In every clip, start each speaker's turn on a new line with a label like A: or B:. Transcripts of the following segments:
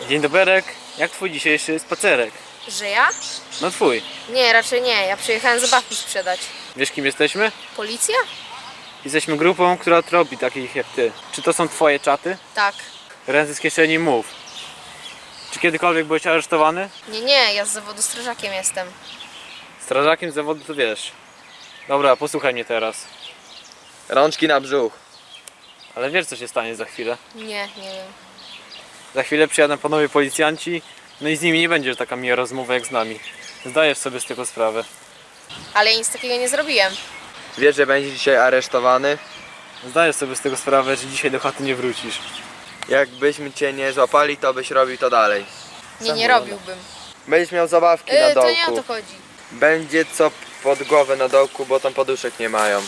A: Dzień doberek, jak twój dzisiejszy spacerek?
B: Że ja?
A: No twój.
B: Nie, raczej nie. Ja przyjechałem zabawki sprzedać.
A: Wiesz kim jesteśmy?
B: Policja?
A: Jesteśmy grupą, która tropi takich jak ty. Czy to są twoje czaty?
B: Tak.
A: Ręce z kieszeni mów. Czy kiedykolwiek byłeś aresztowany?
B: Nie, ja z zawodu strażakiem jestem.
A: Strażakiem z zawodu to wiesz. Dobra, posłuchaj mnie teraz.
C: Rączki na brzuch.
A: Ale wiesz co się stanie za chwilę?
B: Nie wiem.
A: Za chwilę przyjadą panowie policjanci, no i z nimi nie będzie taka miła rozmowa jak z nami. Zdajesz sobie z tego sprawę.
B: Ale ja nic takiego nie zrobiłem.
C: Wiesz, że będziesz dzisiaj aresztowany?
A: Zdajesz sobie z tego sprawę, że dzisiaj do chaty nie wrócisz.
C: Jakbyśmy cię nie złapali, to byś robił to dalej.
B: Nie robiłbym.
C: Będziesz miał zabawki na
B: To
C: dołku.
B: nie o to chodzi.
C: Będzie co pod głowę na dołku, bo tam poduszek nie mają.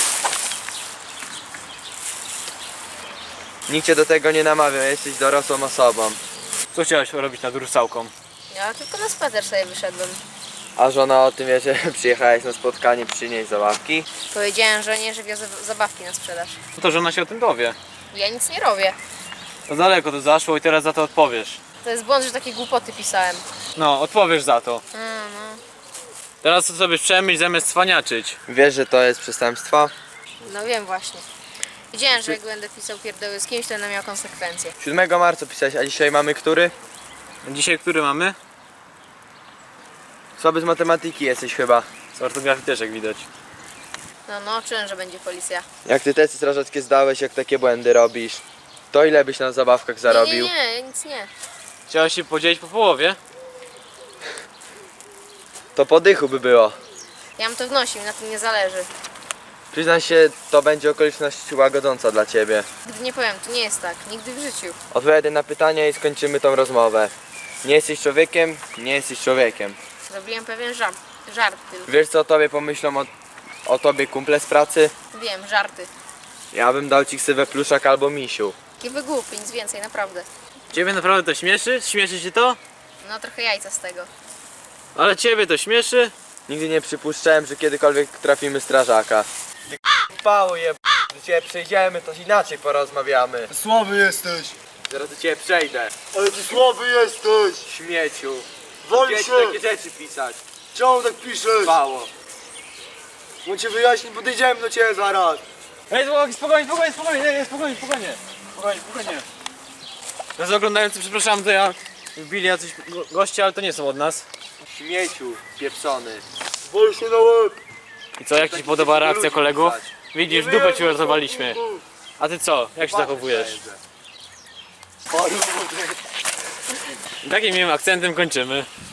C: Nikt cię do tego nie namawia, jesteś dorosłą osobą.
A: Co chciałeś robić nad Rusałką?
B: Ja tylko na spacer sobie wyszedłem.
C: A żona o tym wie, że przyjechałeś na spotkanie przynieść zabawki?
B: Powiedziałem żonie, że wiozę zabawki na sprzedaż.
A: No to żona się o tym dowie.
B: Ja nic nie robię.
A: To daleko to zaszło i teraz za to odpowiesz.
B: To jest błąd, że takie głupoty pisałem.
A: No, odpowiesz za to.
B: No.
A: Teraz to sobie przemyśl zamiast cwaniaczyć.
C: Wiesz, że to jest przestępstwo?
B: No wiem właśnie. Wiedziałem, że jak będę pisał pierdoły z kimś, to będę miał konsekwencje.
C: 7 marca pisałeś, a dzisiaj mamy który?
A: Dzisiaj który mamy?
C: Słaby z matematyki jesteś chyba.
A: Z ortografii też jak widać.
B: No, czułem, że będzie policja.
C: Jak ty testy strażackie zdałeś, jak takie błędy robisz, to ile byś na zabawkach zarobił?
B: Nie, nic nie.
A: Chciałeś się podzielić po połowie?
C: To po dychu by było.
B: Ja bym to wnosił, na tym nie zależy.
C: Przyznaj się, to będzie okoliczność łagodząca dla ciebie.
B: Gdy nie powiem, to nie jest tak. Nigdy w życiu.
C: Odpowiadaj na pytania i skończymy tą rozmowę. Nie jesteś człowiekiem, nie jesteś człowiekiem.
B: Zrobiłem pewien żart tylko.
C: Wiesz co o tobie pomyślą o tobie kumple z pracy?
B: Wiem, żarty.
C: Ja bym dał ci ksywę pluszak albo misiu.
B: Taki wygłupi, nic więcej, naprawdę.
A: Ciebie naprawdę to śmieszy? Śmieszy ci to?
B: No trochę jajca z tego.
A: Ale ciebie to śmieszy?
C: Nigdy nie przypuszczałem, że kiedykolwiek trafimy strażaka. Ty pało je, do ciebie przejdziemy, to inaczej porozmawiamy.
D: Słaby jesteś,
C: Zaraz do ciebie przejdę.
D: ale ty słaby jesteś!
C: Śmieciu.
D: Wal
C: Gdzie
D: się!
C: ci takie rzeczy pisać?
D: Czemu tak piszesz?
C: Pało.
D: Mu cię wyjaśnić, podejdziemy do ciebie zaraz.
A: Ej, spokojnie, spokojnie. Teraz oglądający, przepraszam, to ja wbili jacyś goście, ale to nie są od nas.
C: Śmieciu pieprzony.
D: Wal się na łeb!
A: I co, jak ci się podoba reakcja kolegów? Widzisz, dupę ci uratowaliśmy. A ty co, jak się zachowujesz?
D: Paru,
A: Takim miłym akcentem kończymy.